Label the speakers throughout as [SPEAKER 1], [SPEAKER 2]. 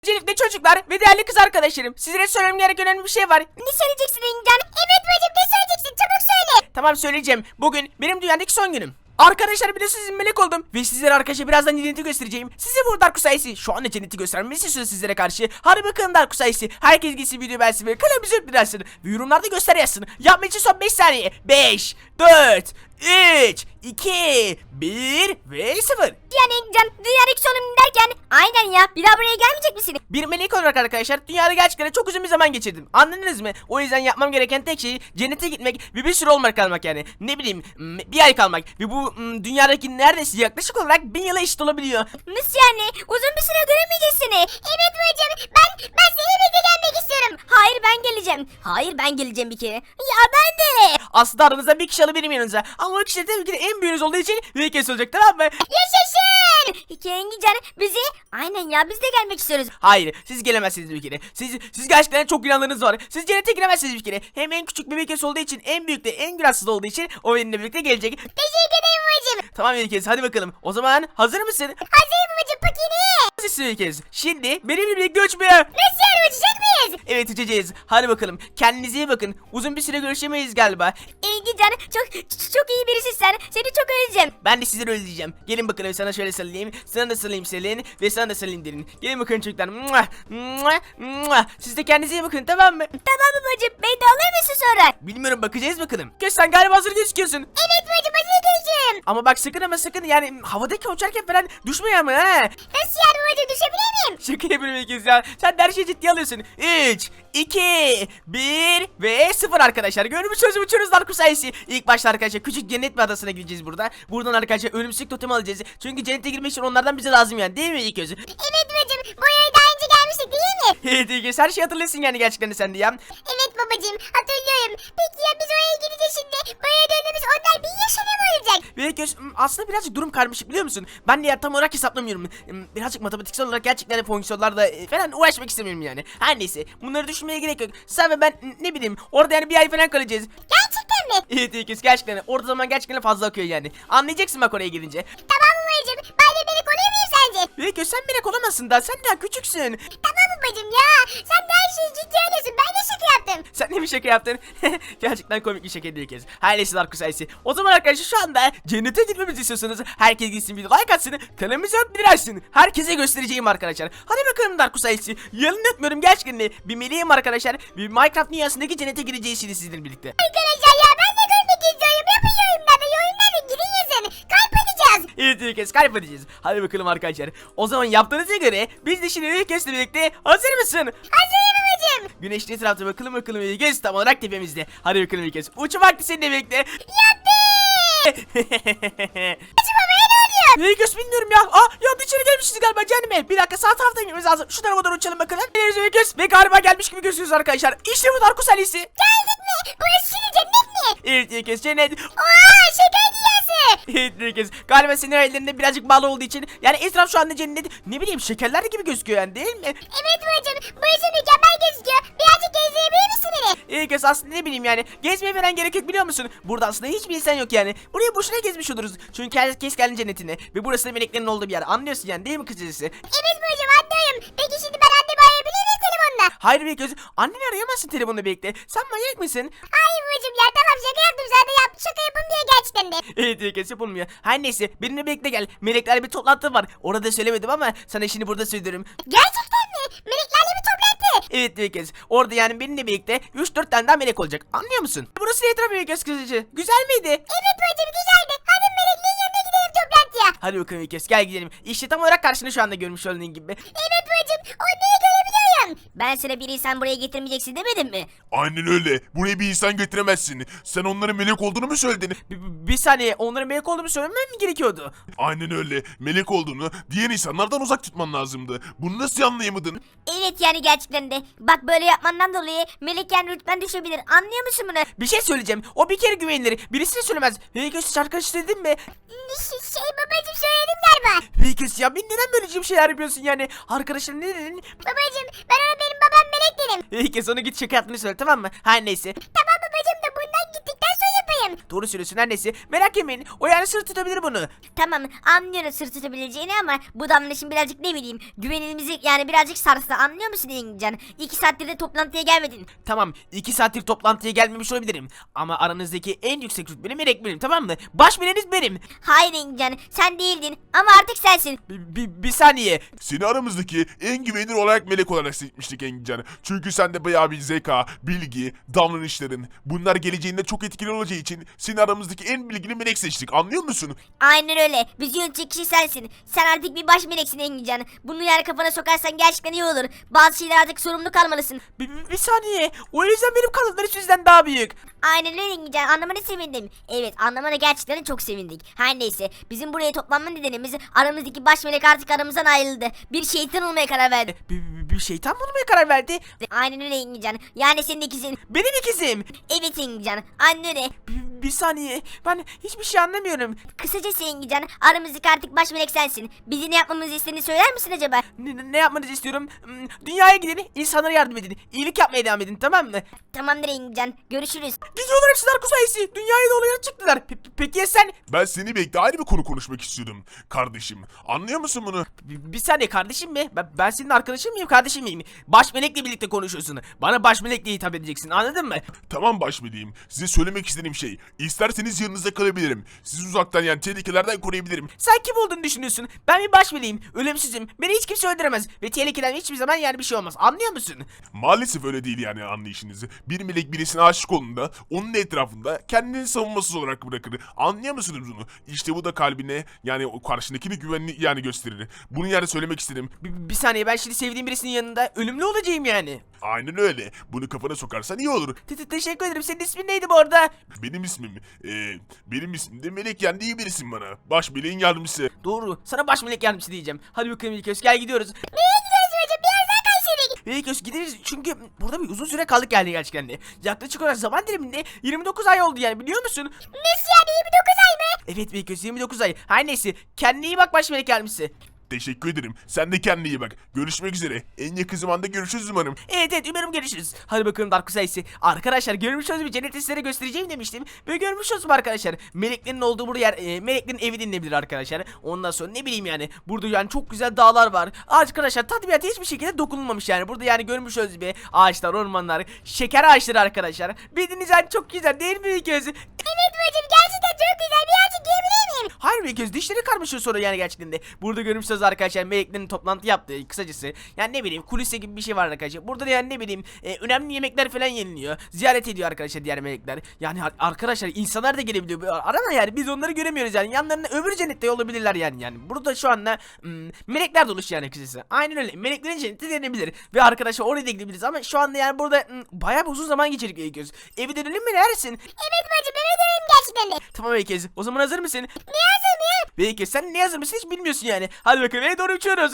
[SPEAKER 1] Öncelikle çocuklar ve değerli kız arkadaşlarım, sizlere söylemem gereken önemli bir şey var.
[SPEAKER 2] Ne söyleyeceksin Engincan? Evet bacım, ne söyleyeceksin? Çabuk söyle.
[SPEAKER 1] Tamam, söyleyeceğim. Bugün benim dünyadaki son günüm. Arkadaşlar, biliyorsunuz melek oldum ve sizlere arkadaşlar birazdan cenneti göstereceğim. Size bu Dark Sayısı şu anda cenneti göstermemi istiyorsunuz sizlere karşı. Hadi bakalım Dark Sayısı. Herkes gitsin video beğensin ve kanalımızı öptürsün. Ve yorumlarda göster yazsın. Yapmak için son 5 saniye. 5, 4, 3, 2, 1 ve 0.
[SPEAKER 2] Yani Engincan, dünyadaki sonum derken aynen ya, bir daha buraya gelmeyecek misin?
[SPEAKER 1] Bir melek olarak arkadaşlar dünyada gerçekten çok uzun bir zaman geçirdim. Anladınız mı? O yüzden yapmam gereken tek şey cennete gitmek ve bir süre olmak kalmak yani. Ne bileyim, bir ay kalmak. Ve bu dünyadaki neredeyse yaklaşık olarak 1000 yıla eşit olabiliyor.
[SPEAKER 2] Nasıl yani? Uzun bir süre göremeyeceğiz seni. Evet bacım, ben seninle birlikte gelmek istiyorum. Hayır, ben geleceğim. Hayır, ben geleceğim bir kere. Ya ben de.
[SPEAKER 1] Aslında aranızda bir kişi alabilirim yanınıza. Ama o kişi de tabii ki de en büyüğünüz olduğu için bir kez olacak, tamam mı?
[SPEAKER 2] Yaşasın. İki Engincan, bizi aynen ya, biz de gelmek istiyoruz.
[SPEAKER 1] Hayır, siz gelemezsiniz bir kere. Siz gerçekten çok günahlarınız var. Siz cennete giremezsiniz bir kere. Hem en küçük bebek kez olduğu için, en büyük de en günahsız olduğu için o benimle birlikte gelecek.
[SPEAKER 2] Teşekkür ederim bacım.
[SPEAKER 1] Tamam bir kez, hadi bakalım. O zaman hazır mısın?
[SPEAKER 2] Hazırım bacım, pakini.
[SPEAKER 1] Hazırsın bir kez. Şimdi benimle birlikte uçmaya.
[SPEAKER 2] Nasıl yani, uçacak mıyız?
[SPEAKER 1] Evet, uçacağız. Hadi bakalım. Kendinize iyi bakın. Uzun bir süre görüşemeyiz galiba.
[SPEAKER 2] Engincan, çok iyi birisin sen. Seni çok özleyeceğim.
[SPEAKER 1] Ben de sizleri özleyeceğim. Gelin bakalım, sana şöyle sarılayım. Sana da sarılayım Selin. Ve sana da sarılayım derin. Gelin bakalım çocuklar. Mua, mua, mua. Siz de kendinize iyi bakın, tamam mı?
[SPEAKER 2] Tamam mı bacım? Beni de alır mısın sonra?
[SPEAKER 1] Bilmiyorum, bakacağız bakalım. Göz, sen galiba hazır gözüküyorsun.
[SPEAKER 2] Evet bacım, hazır görüşürüm.
[SPEAKER 1] Ama bak sakın, ama sakın yani havadaki uçarken falan düşme ama ha.
[SPEAKER 2] Nasıl yani bacım, düşebilir miyim?
[SPEAKER 1] Şaka yapıyorum kez ya. Sen de her şeyi ciddiye alıyorsun. 3, 2, 1 ve 0 arkadaşlar. Görmüş sözü uçuyoruz Dark Sayısı. İlk başta arkadaşlar küçük cennet bir adasına gideceğiz burada. Buradan arkadaşlar ölümsüzlük totemi alacağız. Çünkü cennete girmek için onlardan bize lazım yani, değil mi ilk gözü?
[SPEAKER 2] Evet bacım, buraya daha önce gelmiştik değil mi?
[SPEAKER 1] Evet ilk göz, her şeyi hatırlıyorsun yani gerçekten de sen de ya.
[SPEAKER 2] Evet babacım, hatırlıyorum. Peki ya biz oraya gideceğiz şimdi? Buraya döndüğümüz onlar 1000 yaşında mı olacak?
[SPEAKER 1] Ve ilk göz, aslında birazcık durum karmaşık, biliyor musun? Ben de ya tam olarak hesaplamıyorum. Birazcık matematiksel olarak gerçekten de fonksiyonlarla falan uğraşmak istemiyorum yani. Her neyse, bunları düşünmeye gerek yok. Sen ve ben ne bileyim orada yani bir ay falan kalacağız.
[SPEAKER 2] Gerçekten mi?
[SPEAKER 1] Evet ilk göz, gerçekten orada zaman gerçekten fazla akıyor yani. Anlayacaksın bak oraya gidince.
[SPEAKER 2] Tamam mı bacım? Ben de melek olayım mıyım sence?
[SPEAKER 1] İlk göz, sen melek olamazsın da, sen daha küçüksün.
[SPEAKER 2] Tamam mı bacım ya? Sen de her şeyi ciddi alıyorsun. Ben de şaka yaptım.
[SPEAKER 1] Sen de bir şaka yaptın. Gerçekten komik bir şaka değil kez. Her neyse Dark Sayısı. O zaman arkadaşlar şu anda cennete gitmemizi istiyorsanız herkes gitsin, bir like atsın, kanalımıza bildirsin. Herkese göstereceğim arkadaşlar. Hadi bakalım Dark Sayısı. Yalan etmiyorum, gerçekten de bir meleğim arkadaşlar. Bir Minecraft dünyasındaki cennete gireceğiz şimdi sizinle birlikte.
[SPEAKER 2] Arkadaşlar ya, ben de görmek istiyorum. Yapın yorumlarda. Yorumlarda girin yazın. Kalp atacağız.
[SPEAKER 1] Evet ilk kez kalp edeceğiz. Hadi bakalım arkadaşlar. O zaman yaptığınıza göre biz de şimdi ilk kezdle birlikte hazır mısın?
[SPEAKER 2] Hazırım bacım.
[SPEAKER 1] Güneşli etrafta bakalım ilk kez tam olarak tepemizde. Hadi bakalım ilk kez. Uçum vakti seninle birlikte.
[SPEAKER 2] Yaptım. Bacım babaya ne oluyor?
[SPEAKER 1] İlk kez bilmiyorum ya. Ya içeri gelmişiz galiba cehenneme. Bir dakika, sağ taraftan gitmemiz lazım. Şu tarafa doğru uçalım bakalım. İleriz ilk kez. Ve galiba gelmiş gibi gözüküyoruz arkadaşlar. İşte bu Dark Sayısı.
[SPEAKER 2] Geldik mi? Burası şimdi cennet mi?
[SPEAKER 1] Evet ilk kez cennet.
[SPEAKER 2] Oha, şeker dünyası.
[SPEAKER 1] Evet ilk kez. Galiba senin ellerinde birazcık bağlı olduğu için. Yani etraf şu anda cennet. Ne bileyim, şekerler gibi gözüküyor yani, değil mi?
[SPEAKER 2] Evet bacım, burası mükemmel gözüküyor. Birazcık gezdirebilir misin beni?
[SPEAKER 1] İlk kez aslında ne bileyim yani. Gezmeye falan gerek yok, biliyor musun? Burada aslında hiçbir insan yok yani. Buraya boşuna gezmiş oluruz. Çünkü herkes kendi cennetine. Ve burası da meleklerin olduğu bir yer. Anlıyorsun yani, değil mi kısacası?
[SPEAKER 2] Evet bacım, anlıyorum. Peki şimdi ben annemi arayabilir miyim telefonla?
[SPEAKER 1] Hayır bir göz. Anneni arayamazsın telefonla birlikte. Sen manyak mısın?
[SPEAKER 2] Hayır bacım ya, tamam şaka yaptım zaten, şaka yapılmıyor gerçekten de.
[SPEAKER 1] Evet ilk kez yapılmıyor. Her neyse, benimle birlikte gel. Meleklerle bir toplantı var. Orada söylemedim ama sana şimdi burada söylüyorum.
[SPEAKER 2] Gerçekten mi? Meleklerle bir toplantı.
[SPEAKER 1] Evet bir kez. Orada yani benimle birlikte 3-4 tane daha melek olacak. Anlıyor musun? Burası etrafı bir kez kızıcı. Güzel miydi?
[SPEAKER 2] Evet bacım, güzeldi. Hadi meleklerin yanına gidelim toplantıya.
[SPEAKER 1] Hadi bakalım bir kez, gel gidelim. İşte tam olarak karşını şu anda görmüş olduğun gibi.
[SPEAKER 2] Evet bacım, onları görebiliyorum. Ben sana bir insan buraya getirmeyeceksin demedim mi?
[SPEAKER 3] Aynen öyle. Buraya bir insan getiremezsin. Sen onların melek olduğunu mu söyledin?
[SPEAKER 1] Bir saniye, onların melek olduğumu söylemem mi gerekiyordu?
[SPEAKER 3] Aynen öyle. Melek olduğunu diğer insanlardan uzak tutman lazımdı. Bunu nasıl anlayamadın?
[SPEAKER 2] Evet yani gerçekten de. Bak böyle yapmandan dolayı melek yani rütben düşebilir. Anlıyor musun bunu?
[SPEAKER 1] Bir şey söyleyeceğim. O bir kere güvenilir. Birisine söylemez. Vegas arkadaş dedim mi?
[SPEAKER 2] Babacım söyledim galiba.
[SPEAKER 1] Vegas ya, ben neden böyle bir şeyler yapıyorsun yani? Arkadaşlar ne dedin?
[SPEAKER 2] Babacım, ben ona benim babam melek dedim.
[SPEAKER 1] Vegas, ona git şaka yaptığını söyle, tamam mı? Her neyse.
[SPEAKER 2] Tamam babacım, da bundan gittikten sonra yapayım.
[SPEAKER 1] Doğru söylüyorsun her neyse. Merak etmeyin. O yani sır tutabilir bunu.
[SPEAKER 2] Tamam anlıyorum sır tutabileceğini ama bu davranışın birazcık ne bileyim güvenilimizi yani birazcık sarstı anlıyor musun Engincan? 2 saattir de toplantıya gelmedin.
[SPEAKER 1] Tamam 2 saattir toplantıya gelmemiş olabilirim. Ama aranızdaki en yüksek rütbeli melek benim, tamam mı? Baş meleğiniz benim.
[SPEAKER 2] Hayır Engincan sen değildin ama artık sensin.
[SPEAKER 1] Bir saniye.
[SPEAKER 3] Seni aramızdaki en güvenilir olarak melek olarak seçmiştik Engincan. Çünkü sende bayağı bir zeka, bilgi, davranışların bunlar geleceğinde çok etkili olacağı için seni aramızdaki en bilgili melek seçtik. Anlıyor musun?
[SPEAKER 2] Aynen öyle. Bizi yönetecek kişi sensin. Sen artık bir baş meleksin Engincan. Bunu yani kafana sokarsan gerçekten iyi olur. Bazı şeyler artık sorumlu kalmalısın.
[SPEAKER 1] Bir saniye. O yüzden benim kanatları sizden daha büyük.
[SPEAKER 2] Aynen öyle Engincan. Anlamana sevindim. Evet anlamana gerçekten çok sevindik. Her neyse. Bizim buraya toplanma nedenimiz aramızdaki baş melek artık aramızdan ayrıldı. Bir şeytan olmaya karar verdi.
[SPEAKER 1] Bir şeytan mı olmaya karar verdi?
[SPEAKER 2] Aynen öyle Engincan. Yani senin ikizin.
[SPEAKER 1] Benim ikizim.
[SPEAKER 2] Evet Engincan. Aynen öyle.
[SPEAKER 1] Bir saniye. Ben hiçbir şey anlamıyorum.
[SPEAKER 2] Kısacası Engincan aramızdaki artık baş melek sensin. Bizi ne yapmamızı istediğini söyler misin acaba?
[SPEAKER 1] Ne yapmanızı istiyorum? Dünyaya gidin, insanlara yardım edin. İyilik yapmaya devam edin, tamam mı?
[SPEAKER 2] Tamamdır Engincan. Görüşürüz.
[SPEAKER 1] Gidiyorlar hepsi Darko sayesi. Dünyaya doğru çıktılar. Peki ya sen?
[SPEAKER 3] Ben seni bekle ayrı bir konu konuşmak istiyordum kardeşim. Anlıyor musun bunu?
[SPEAKER 1] Bir saniye kardeşim mi? Ben senin arkadaşın mıyım, kardeşim miyim? Baş melekle birlikte konuşuyorsun. Bana baş melekle hitap edeceksin, anladın mı?
[SPEAKER 3] Tamam başmeliyim. Size söylemek istediğim şey. İsterseniz yanınızda kalabilirim. Sizi uzaktan yani tehlikelerden koruyabilirim.
[SPEAKER 1] Sen kim olduğunu düşünüyorsun? Ben bir baş meleğim. Ölümsüzüm. Beni hiç kimse öldüremez. Ve tehlikeden hiçbir zaman yani bir şey olmaz. Anlıyor musun?
[SPEAKER 3] Maalesef öyle değil yani anlayışınızı. Bir melek birisine aşık olduğunda onun etrafında kendini savunmasız olarak bırakır. Anlıyor musunuz bunu? İşte bu da kalbine yani o karşındakine güvenini yani gösterir. Bunu yani söylemek istedim.
[SPEAKER 1] Bir saniye, ben şimdi sevdiğim birisinin yanında ölümlü olacağım yani.
[SPEAKER 3] Aynen öyle. Bunu kafana sokarsan iyi olur.
[SPEAKER 1] Teşekkür ederim. Senin ismin neydi bu arada?
[SPEAKER 3] Benim ismim de Melek yani iyi birisin bana. Baş meleğin yardımcısı.
[SPEAKER 1] Doğru. Sana baş melek yardımcısı diyeceğim. Hadi bakalım İlköz, gel gidiyoruz.
[SPEAKER 2] Nereye gidiyoruz hocam? Biraz daha Kayseri'ye git.
[SPEAKER 1] İlköz gideriz çünkü burada bir uzun süre kaldık yani gerçekten de. Yaklaşık olarak zaman diliminde 29 ay oldu yani, biliyor musun?
[SPEAKER 2] Nasıl yani 29 ay mı?
[SPEAKER 1] Evet İlköz, 29 ay. Her neyse, kendine iyi bak baş melek yardımcısı.
[SPEAKER 3] Teşekkür ederim. Sen de kendine iyi bak. Görüşmek üzere. En yakın zamanda görüşürüz umarım.
[SPEAKER 1] Evet umarım görüşürüz. Hadi bakalım Darko sayısı. Arkadaşlar görmüş olduğunuz bir cenneti sizlere göstereceğim demiştim. Ve görmüş olduğunuz arkadaşlar. Meleklerin olduğu bu yer meleklerin evi denilebilir arkadaşlar. Ondan sonra ne bileyim yani. Burada yani çok güzel dağlar var. Arkadaşlar tabiata hiçbir şekilde dokunulmamış yani. Burada yani görmüş olduğunuz gibi ağaçlar, ormanlar, şeker ağaçları arkadaşlar. Bildiğiniz yani çok güzel değil mi İlköz?
[SPEAKER 2] Evet bacım gerçekten çok güzel. Birazcık yiyebilir miyim?
[SPEAKER 1] Hayır İlköz, dişleri karmaşıyor sonra yani gerçekten de. Burada görmüş olduğunuz arkadaşlar meleklerin toplantı yaptığı kısacası. Yani ne bileyim kulise gibi bir şey var arkadaşlar. Burada da yani ne bileyim önemli yemekler falan yeniliyor. Ziyaret ediyor arkadaşlar diğer melekler. Yani arkadaşlar insanlar da gelebiliyor. Arama yani biz onları göremiyoruz yani. Yanlarında öbür cennette olabilirler yani. Yani burada şu anda melekler doluş yani kısacası. Aynen öyle. Meleklerin cenneti denebilir. Ve arkadaşlar oraya da gidebiliriz ama şu anda yani burada bayağı bir uzun zaman geçirdik İlköz. Evi dönelim mi, neresin?
[SPEAKER 2] Evet bacım eve dönelim gerçekten de.
[SPEAKER 1] Tamam İlköz. O zaman hazır mısın?
[SPEAKER 2] Ne yazın ya?
[SPEAKER 1] Belki sen ne hazır mısın hiç bilmiyorsun yani. Hadi bakalım eve doğru uçuyoruz.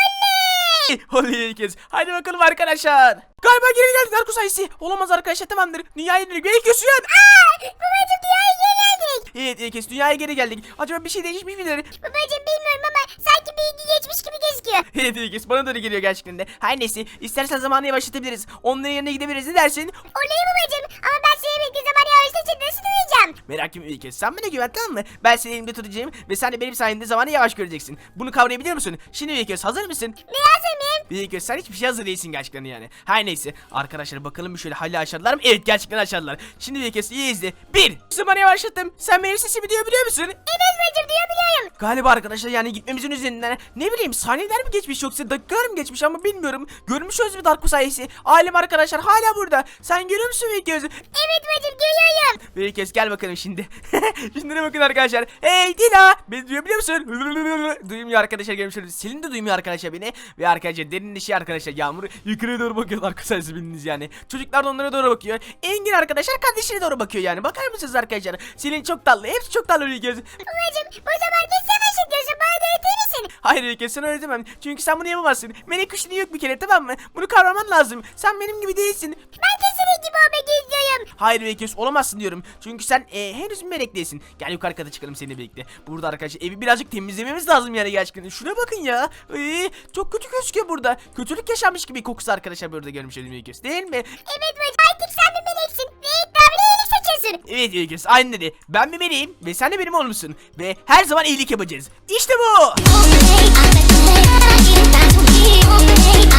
[SPEAKER 2] Oley!
[SPEAKER 1] Oley kez. Hadi bakalım arkadaşlar. Galiba geri geldik Darko sayısı. Olamaz arkadaşlar, tamamdır. Dünyaya dönük. Belki uyan.
[SPEAKER 2] Babacım dünyaya geri geldik.
[SPEAKER 1] Evet İlkes, dünyaya geri geldik. Acaba bir şey değişmiş midir?
[SPEAKER 2] Babacım bilmiyorum ama sanki bilgi geçmiş gibi gözüküyor.
[SPEAKER 1] Evet İlkes, bana da öyle geliyor gerçekten de. Her neyse, istersen zamanı yavaşlatabiliriz. Onların yanına gidebiliriz, ne dersin?
[SPEAKER 2] Oley babacım ama ben seni bekle zaman yavaşlayınca nasıl duyacağım?
[SPEAKER 1] Merak etme İlkes, sen bana güven, tamam mı? Ben seni elimde tutacağım ve sen de benim sayemde zamanı yavaş göreceksin. Bunu kavrayabiliyor musun? Şimdi İlkes, hazır mısın?
[SPEAKER 2] Ne yazın mıyım?
[SPEAKER 1] İlkes, sen hiçbir şey hazır değilsin gerçekten yani. Her neyse arkadaşlar, bakalım bir şöyle hala aşağıdalar mı? Evet, gerçekten aşağıdalar. Şimdi İlkes iyi izle. 1. Zamanı yavaşlattım. Sen benim sesimi duyabiliyor musun?
[SPEAKER 2] Evet bacım duyabiliyorum.
[SPEAKER 1] Galiba arkadaşlar yani gitmemizin üzerinden ne bileyim saniyeler mi geçmiş yoksa dakikalar mı geçmiş ama bilmiyorum. Görmüş mü Darko sayesi? Ailem arkadaşlar hala burada. Sen görüyor musun Vekiöz?
[SPEAKER 2] Evet bacım görüyorum.
[SPEAKER 1] Vekiöz gel bakalım şimdi. Şimdi ne bakın arkadaşlar. Hey Dila, beni duyabiliyor musun? Duymuyor arkadaşlar, görmüşsünüz. Selin de duymuyor arkadaşlar beni. Ve arkadaşlar derinleşiyor arkadaşlar. Yağmur yukarıya doğru bakıyor arkadaşlar, bildiğiniz yani. Çocuklar da onlara doğru bakıyor. Engin arkadaşlar kardeşine doğru bakıyor yani. Bakar mısınız arkadaşlar? Selin çok tatlı. Hepsi çok tatlı Vekiöz.
[SPEAKER 2] Babacım bu zaman ne savaş ediyorsun bana da öğretir misin?
[SPEAKER 1] Hayır Vekiöz, sana öğretemem. Çünkü sen bunu yapamazsın. Melek kuşluğu yok bir kere, tamam mı? Bunu kavraman lazım. Sen benim gibi değilsin.
[SPEAKER 2] Ben de senin gibi olmak istiyorum.
[SPEAKER 1] Hayır Vekiöz, olamazsın diyorum. Çünkü sen henüz bir melek değilsin. Gel yukarı kata çıkalım seninle birlikte. Burada arkadaşlar evi birazcık temizlememiz lazım yani gerçekten. Şuna bakın ya. Çok kötü gözüküyor burada. Kötülük yaşanmış gibi kokusu arkadaşlar burada görmüş oldum Vekiöz. Değil mi?
[SPEAKER 2] Evet bacım artık sen bir meleksin. Ve iddiamını iyilik seçiyorsun. musun?
[SPEAKER 1] Evet Ülküs aynı dedi. Ben bir meleğim ve sen de benim oğlumsun. Ve her zaman iyilik yapacağız. İşte bu.
[SPEAKER 4] All day, I